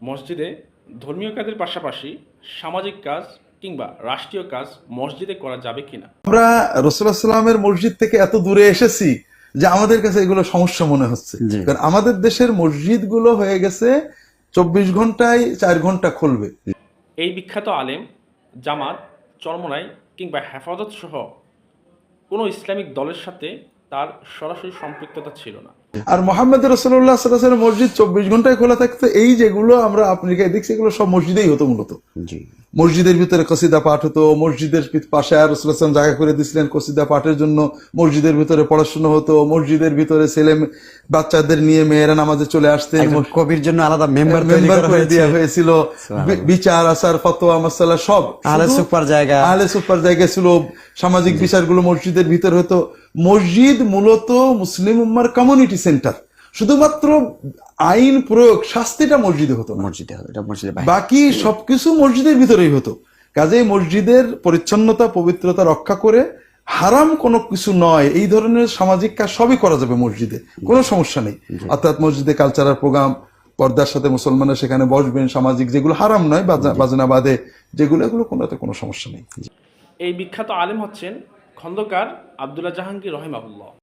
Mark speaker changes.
Speaker 1: মসজিদে ধর্মীয় কাজের পাশাপাশি সামাজিক কাজ কিংবা রাষ্ট্রীয় কাজ মসজিদে করা যাবে কিনা।
Speaker 2: আমরা রাসূলুল্লাহ সাল্লামের মসজিদ থেকে এত দূরে এসেছি যে আমাদের কাছে এগুলো সমস্যা মনে হচ্ছে, কারণ আমাদের দেশের মসজিদ গুলো হয়ে গেছে 24 ঘন্টায় 4 ঘন্টা খুলবে।
Speaker 1: এই বিখ্যাত আলেম জামাত, চরমোনাই কিংবা হেফাজত সহ কোনো ইসলামিক দলের সাথে তার সরাসরি সম্পৃক্ততা ছিল না।
Speaker 2: আর মুহাম্মদ রাসূলুল্লাহ সাল্লাল্লাহু আলাইহি ওয়াসাল্লাম মসজিদ 24 ঘন্টায় খোলা থাকতো। এই যেগুলো আমরা আফ্রিকায় দেখছি এগুলো সব মসজিদেই হতো মূলত। মসজিদের ভিতরে কসিদা পাঠ হতো, মসজিদের পাশে আর রাসূলুল্লাহ সাল্লাল্লাহু আলাইহি ওয়াসাল্লাম জায়গা করে দিয়েছিলেন কসিদা পাঠের জন্য, মসজিদের ভিতরে পড়াশোনা হতো, মসজিদের ভিতরে ছেলে বাচ্চাদের নিয়ে মেয়েরা নামাজে চলে আসতেন,
Speaker 3: কবির জন্য আলাদা মেম্বার
Speaker 2: করে দেওয়া হয়েছিল, বিচার আচার ফতোয়া মাসালা সব
Speaker 3: আহলে
Speaker 2: সুপার জায়গা ছিল, সামাজিক বিচারগুলো মসজিদের ভিতরে হতো। মসজিদ মূলত মুসলিম উম্মার কমিউনিটি সেন্টার, শুধুমাত্র আইন প্রয়োগ শাস্তিটা মসজিদে হতো না, বাকি সবকিছু মসজিদের ভিতরেই হতো। কাজেই মসজিদের পরিচ্ছন্নতা পবিত্রতা রক্ষা করে হারাম কোনো কিছু নয়, এই ধরনের সামাজিক কাজ সবই করা যাবে মসজিদে, কোনো সমস্যা নেই। অর্থাৎ মসজিদে কালচারাল প্রোগ্রাম, পর্দার সাথে মুসলমানরা সেখানে বসবেন, সামাজিক যেগুলো হারাম নয় বাজনা বাদে যেগুলো, এগুলো কোনোতে কোনো সমস্যা নেই।
Speaker 1: এই বিখ্যাত আলেম হচ্ছেন খন্দকার আব্দুল্লাহ জাহাঙ্গীর রহিমাহুল্লাহ।